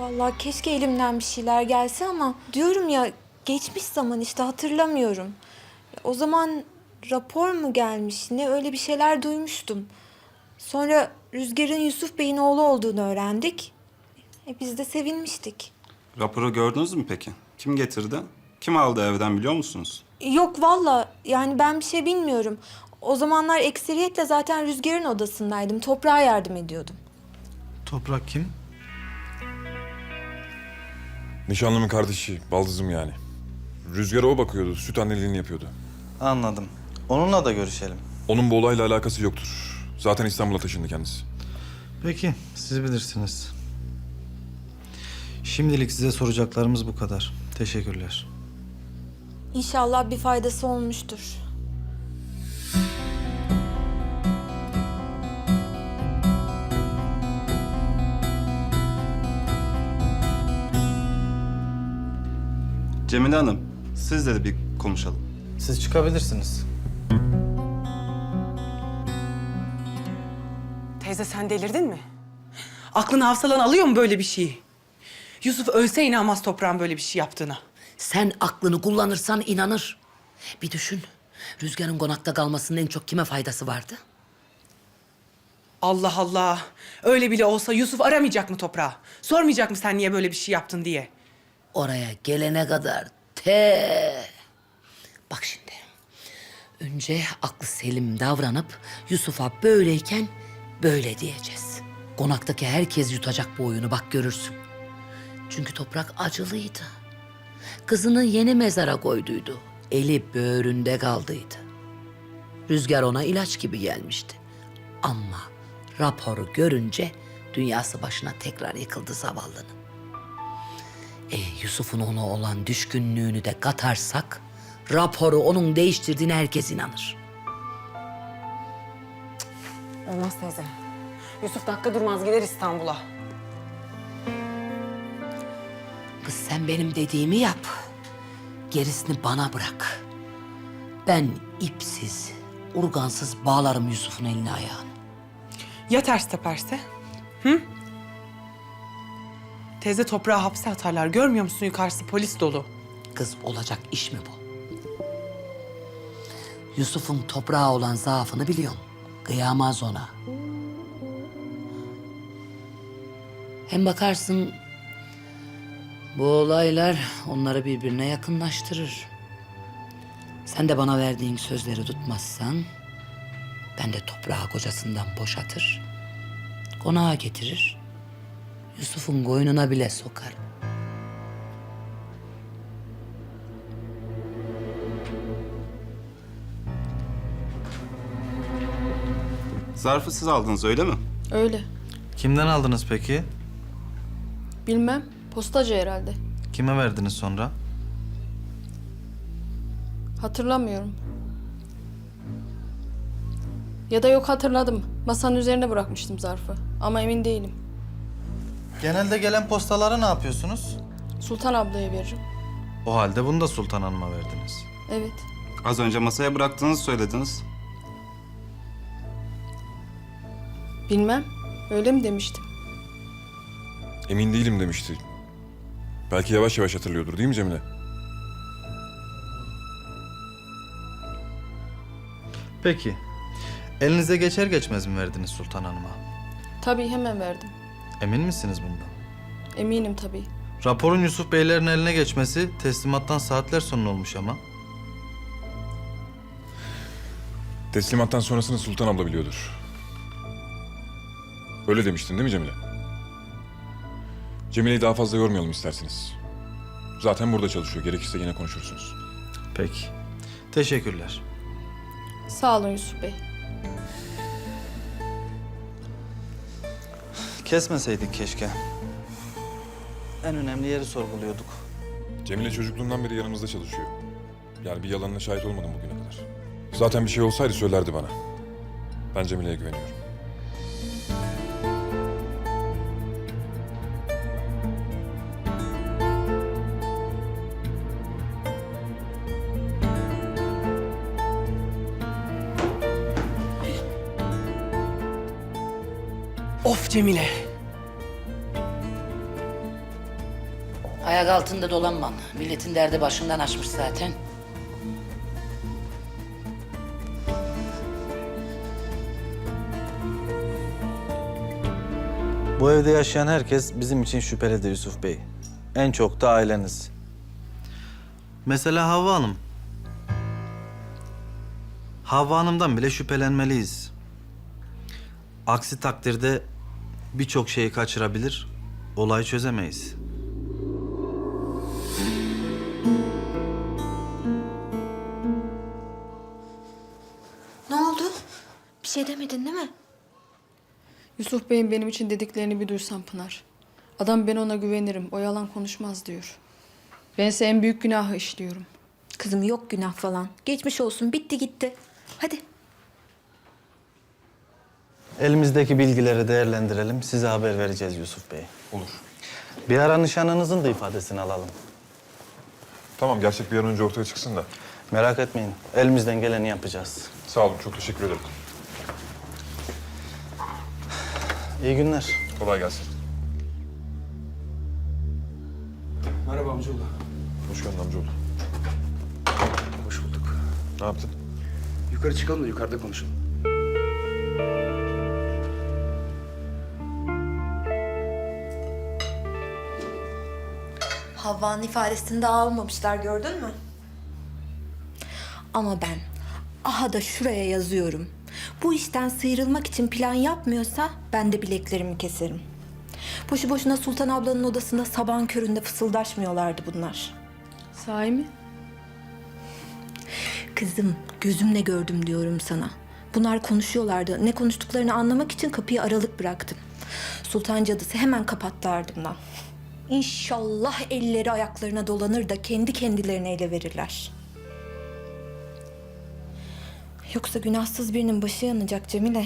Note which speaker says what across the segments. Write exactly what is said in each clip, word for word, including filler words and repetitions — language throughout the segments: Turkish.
Speaker 1: Vallahi keşke elimden bir şeyler gelse ama diyorum ya geçmiş zaman işte hatırlamıyorum. O zaman rapor mu gelmiş ne öyle bir şeyler duymuştum. Sonra Rüzgar'ın Yusuf Bey'in oğlu olduğunu öğrendik. E biz de sevinmiştik.
Speaker 2: Raporu gördünüz mü peki? Kim getirdi? Kim aldı evden biliyor musunuz?
Speaker 1: Yok vallahi yani ben bir şey bilmiyorum. O zamanlar ekseriyetle zaten Rüzgar'ın odasındaydım. Toprağa yardım ediyordum.
Speaker 3: Toprak kim?
Speaker 4: Nişanlımın kardeşi, baldızım yani. Rüzgar'a o bakıyordu, süt anneliğini yapıyordu.
Speaker 3: Anladım. Onunla da görüşelim.
Speaker 4: Onun bu olayla alakası yoktur. Zaten İstanbul'a taşındı kendisi.
Speaker 3: Peki, siz bilirsiniz. Şimdilik size soracaklarımız bu kadar. Teşekkürler.
Speaker 1: İnşallah bir faydası olmuştur.
Speaker 2: Cemile Hanım, sizle de bir konuşalım.
Speaker 3: Siz çıkabilirsiniz.
Speaker 5: Teyze sen delirdin mi? Aklını hafsalan alıyor mu böyle bir şeyi? Yusuf ölse inanmaz toprağın böyle bir şey yaptığına.
Speaker 6: Sen aklını kullanırsan inanır. Bir düşün. Rüzgar'ın konakta kalmasının en çok kime faydası vardı?
Speaker 5: Allah Allah. Öyle bile olsa Yusuf aramayacak mı toprağı? Sormayacak mı sen niye böyle bir şey yaptın diye?
Speaker 6: Oraya gelene kadar te. Bak şimdi. Önce aklı selim davranıp Yusuf'a böyleyken böyle diyeceğiz. Konaktaki herkes yutacak bu oyunu bak görürsün. Çünkü toprak acılıydı. Kızını yeni mezara koyduydu. Eli böğründe kaldıydı. Rüzgar ona ilaç gibi gelmişti. Ama raporu görünce dünyası başına tekrar yıkıldı zavallının. E, Yusuf'un ona olan düşkünlüğünü de katarsak raporu onun değiştirdiğine herkes inanır.
Speaker 5: Olmaz teyze. Yusuf dakika durmaz gider İstanbul'a.
Speaker 6: Kız sen benim dediğimi yap. Gerisini bana bırak. Ben ipsiz, urgansız bağlarım Yusuf'un elini ayağını.
Speaker 5: Ya ters teperse? Hı? Teyze toprağı hapse atarlar. Görmüyor musun yukarısı polis dolu.
Speaker 6: Kız olacak iş mi bu? Yusuf'un toprağa olan zaafını biliyorum. Kıyamaz ona. Hem bakarsın bu olaylar onları birbirine yakınlaştırır. Sen de bana verdiğin sözleri tutmazsan ben de toprağı kocasından boşatır, konağa getirir, Yusuf'un koynuna bile sokar.
Speaker 2: Zarfı siz aldınız öyle mi?
Speaker 7: Öyle.
Speaker 3: Kimden aldınız peki?
Speaker 7: Bilmem. Postacı herhalde.
Speaker 3: Kime verdiniz sonra?
Speaker 7: Hatırlamıyorum. Ya da yok hatırladım. Masanın üzerine bırakmıştım zarfı. Ama emin değilim.
Speaker 3: Genelde gelen postaları ne yapıyorsunuz?
Speaker 7: Sultan ablaya veririm.
Speaker 3: O halde bunu da Sultan Hanım'a verdiniz.
Speaker 7: Evet.
Speaker 2: Az önce masaya bıraktığınızı söylediniz.
Speaker 7: Bilmem. Öyle mi demiştim?
Speaker 4: Emin değilim demişti. Belki yavaş yavaş hatırlıyordur değil mi Cemile?
Speaker 3: Peki. Elinize geçer geçmez mi verdiniz Sultan Hanım'a?
Speaker 7: Tabii hemen verdim.
Speaker 3: Emin misiniz bundan?
Speaker 7: Eminim tabii.
Speaker 3: Raporun Yusuf Beylerin eline geçmesi teslimattan saatler sonra olmuş ama.
Speaker 4: Teslimattan sonrasını Sultan abla biliyordur. Öyle demiştin değil mi Cemile? Cemile'yi daha fazla yormayalım isterseniz. Zaten burada çalışıyor. Gerekirse yine konuşursunuz.
Speaker 3: Peki. Teşekkürler.
Speaker 7: Sağ olun Yusuf Bey.
Speaker 3: Kesmeseydik keşke. En önemli yeri sorguluyorduk.
Speaker 4: Cemile çocukluğundan beri yanımızda çalışıyor. Yani bir yalanına şahit olmadım bugüne kadar. Zaten bir şey olsaydı söylerdi bana. Ben Cemile'ye güveniyorum.
Speaker 5: Of Cemile.
Speaker 6: Ayak altında dolanmam. Milletin derdi başından açmış zaten.
Speaker 3: Bu evde yaşayan herkes bizim için şüphelidir Yusuf Bey. En çok da aileniz. Mesela Havva Hanım. Havva Hanım'dan bile şüphelenmeliyiz. Aksi takdirde birçok şeyi kaçırabilir, olayı çözemeyiz.
Speaker 1: Ne oldu? Bir şey demedin değil mi?
Speaker 7: Yusuf Bey'in benim için dediklerini bir duysan Pınar. Adam ben ona güvenirim, o yalan konuşmaz diyor. Bense en büyük günahı işliyorum.
Speaker 1: Kızım yok günah falan. Geçmiş olsun, bitti gitti. Hadi.
Speaker 3: Elimizdeki bilgileri değerlendirelim, size haber vereceğiz Yusuf Bey.
Speaker 4: Olur.
Speaker 3: Bir ara nişanlınızın da ifadesini alalım.
Speaker 4: Tamam, gerçek bir an önce ortaya çıksın da.
Speaker 3: Merak etmeyin, elimizden geleni yapacağız.
Speaker 4: Sağ olun, çok teşekkür ederim.
Speaker 3: İyi günler.
Speaker 4: Kolay gelsin.
Speaker 8: Merhaba amcaoğlu.
Speaker 4: Hoş geldin amcaoğlu.
Speaker 8: Hoş bulduk.
Speaker 4: Ne yaptın?
Speaker 8: Yukarı çıkalım da yukarıda konuşalım.
Speaker 1: Havva'nın ifadesini daha almamışlar, gördün mü? Ama ben aha da şuraya yazıyorum. Bu işten sıyrılmak için plan yapmıyorsa ben de bileklerimi keserim. Boşu boşuna Sultan ablanın odasında sabahın köründe fısıldaşmıyorlardı bunlar.
Speaker 7: Sahi mi?
Speaker 1: Kızım, gözümle gördüm diyorum sana. Bunlar konuşuyorlardı. Ne konuştuklarını anlamak için kapıyı aralık bıraktım. Sultan cadısı hemen kapattı ardımdan. İnşallah elleri ayaklarına dolanır da kendi kendilerine ele verirler. Yoksa günahsız birinin başı yanacak Cemile.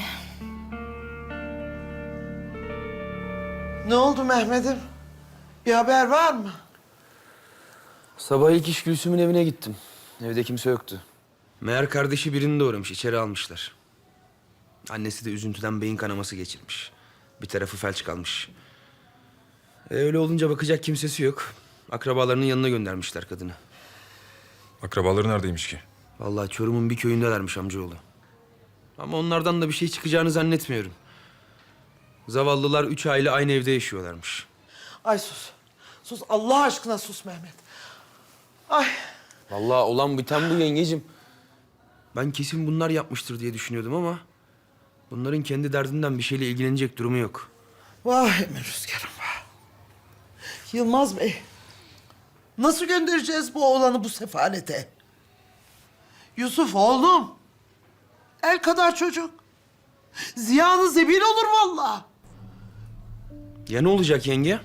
Speaker 9: Ne oldu Mehmet'im? Bir haber var mı?
Speaker 8: Sabah ilk iş Gülsüm'ün evine gittim. Evde kimse yoktu. Meğer kardeşi birini doğramış, içeri almışlar. Annesi de üzüntüden beyin kanaması geçirmiş. Bir tarafı felç kalmış. E, öyle olunca bakacak kimsesi yok. Akrabalarının yanına göndermişler kadını.
Speaker 4: Akrabaları neredeymiş ki?
Speaker 8: Vallahi Çorum'un bir köyündelermiş amcaoğlu. Ama onlardan da bir şey çıkacağını zannetmiyorum. Zavallılar üç aile aynı evde yaşıyorlarmış.
Speaker 9: Ay sus. Sus Allah aşkına sus Mehmet. Ay
Speaker 8: Vallahi olan biten bu yengecim. Ben kesin bunlar yapmıştır diye düşünüyordum ama... ...bunların kendi derdinden bir şeyle ilgilenecek durumu yok.
Speaker 9: vah Emir Rüzgar'ım vah. Yılmaz Bey. Nasıl göndereceğiz bu oğlanı bu sefalete? Yusuf oğlum. El kadar çocuk. Ziyanı zebil olur vallahi.
Speaker 8: Ya ne olacak yenge?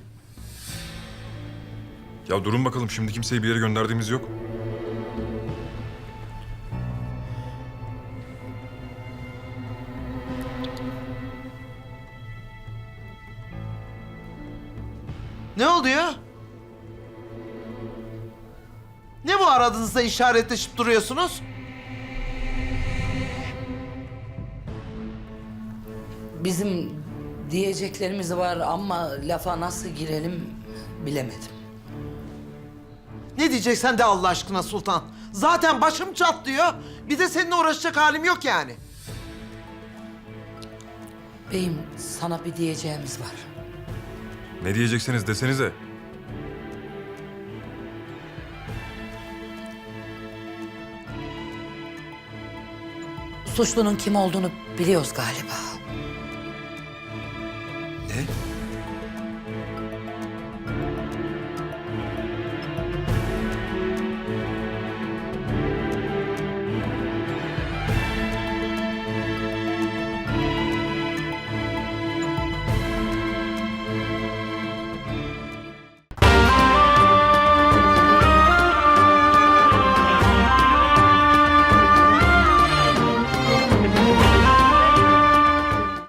Speaker 4: Ya durun bakalım, şimdi kimseyi bir yere gönderdiğimiz yok.
Speaker 9: Ne oluyor? Ne bu aranızda işaretleşip duruyorsunuz?
Speaker 6: Bizim diyeceklerimiz var ama lafa nasıl girelim bilemedim.
Speaker 9: Ne diyeceksen de Allah aşkına Sultan. Zaten başım çatlıyor. Bir de seninle uğraşacak halim yok yani.
Speaker 6: Beyim sana bir diyeceğimiz var.
Speaker 4: Ne diyecekseniz desenize.
Speaker 6: Suçlunun kim olduğunu biliyoruz galiba.
Speaker 8: Ne?